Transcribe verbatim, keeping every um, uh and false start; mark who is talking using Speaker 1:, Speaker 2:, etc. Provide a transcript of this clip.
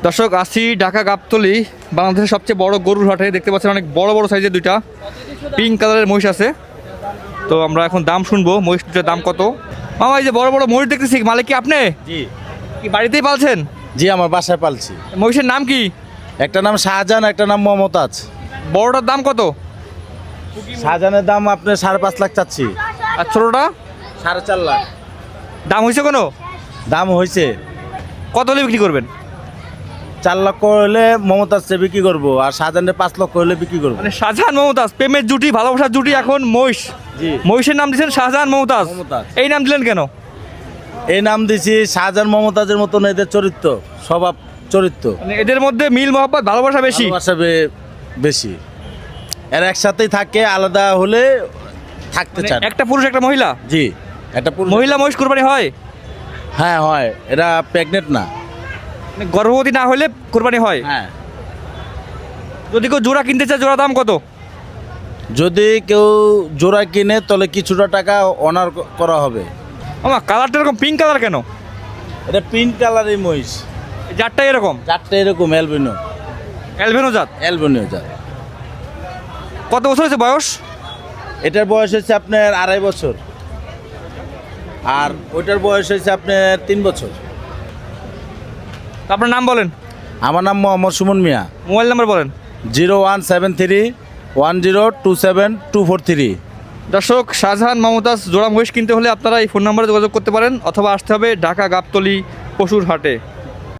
Speaker 1: দর্শক আসি ঢাকা গাবতলী, বাংলাদেশের সবচেয়ে বড় গরুর হাটে। দেখতে পাচ্ছেন অনেক বড় বড় সাইজের দুইটা পিঙ্ক কালারের মহিষ আছে। তো আমরা এখন দাম শুনবো, মহিষ দুটার দাম কত। মামা, এই যে বড় বড় মহিষ দেখতেছি, মালিক কি আপনি?
Speaker 2: জি
Speaker 1: কি বাড়িতেই পালছেন?
Speaker 2: জি আমার বাসায় পালছি।
Speaker 1: মহিষের নাম কি?
Speaker 2: একটা নাম শাহজাহান, একটা নাম মমতাজ।
Speaker 1: বড়টার দাম কত?
Speaker 2: শাহজাহানের দাম আপনার সাড়ে পাঁচ লাখ চাচ্ছি।
Speaker 1: আর ছোটটা
Speaker 2: সাড়ে চার লাখ
Speaker 1: দাম হয়েছে কোনো?
Speaker 2: দাম হয়েছে।
Speaker 1: কত হলে বিক্রি করবেন?
Speaker 2: চার লক্ষ হলে মমতাজে বিক্রি করবো, আর শাহজাহানের পাঁচ লক্ষ হলে বিক্রি করবো।
Speaker 1: মানে শাহজাহান মমতাজ, প্রেমের জুটি, ভালোবাসার জুটি। এখন মহিষ,
Speaker 2: জি
Speaker 1: মহিষের নাম দিয়েছেন শাহজাহান মমতাজ।
Speaker 2: মমতাজ।
Speaker 1: এই নাম দিলেন কেন?
Speaker 2: এই নাম দিছি শাহজাহান মমতাজের মতন এদের চরিত্র, স্বভাব চরিত্র,
Speaker 1: মানে এদের মধ্যে মিল মহব্বত ভালোবাসা বেশি।
Speaker 2: ভালোবাসা বে- বেশি। এরা একসাথেই থাকে, আলাদা হলে থাকতে
Speaker 1: মানে
Speaker 2: চায় না।
Speaker 1: একটা পুরুষ একটা মহিলা,
Speaker 2: জি একটা পুরুষ-
Speaker 1: মহিলা মহিষ কুরবানি হয়?
Speaker 2: হ্যাঁ হয়, এরা প্রেগনেন্ট না।
Speaker 1: মানে গর্ভবতী না হলে কুরবানি হয়।
Speaker 2: হ্যাঁ,
Speaker 1: যদি কেউ জোড়া কিনতে চায়, জোড়া দাম কত?
Speaker 2: যদি কেউ জোড়া কিনে তাহলে কিছুটা টাকা অনার করা হবে।
Speaker 1: আমার কালারটা এরকম পিঙ্ক কালার কেন?
Speaker 2: এটা পিঙ্ক কালারের মহিষ,
Speaker 1: এই জাতটা এরকম
Speaker 2: চারটে এরকম অ্যালবিনো
Speaker 1: অ্যালবেনো জাত।
Speaker 2: অ্যালবিনো জাত।
Speaker 1: কত বছর হয়েছে বয়স?
Speaker 2: এটার বয়স হচ্ছে আপনার আড়াই বছর, আর ওইটার বয়স হচ্ছে আপনার তিন বছর।
Speaker 1: আপনার নাম বলেন,
Speaker 2: আমার নাম মোহাম্মদ সুমন মিয়া।
Speaker 1: মোবাইল নাম্বার বলেন।
Speaker 2: Zero one seven three one zero two seven two four three.
Speaker 1: দর্শক, শাহজাহান মমতাজ জোড়া মহিষ কিনতে হলে আপনারা এই ফোন নাম্বারে যোগাযোগ করতে পারেন, অথবা আসতে হবে ঢাকা গাবতলী পশুর হাটে।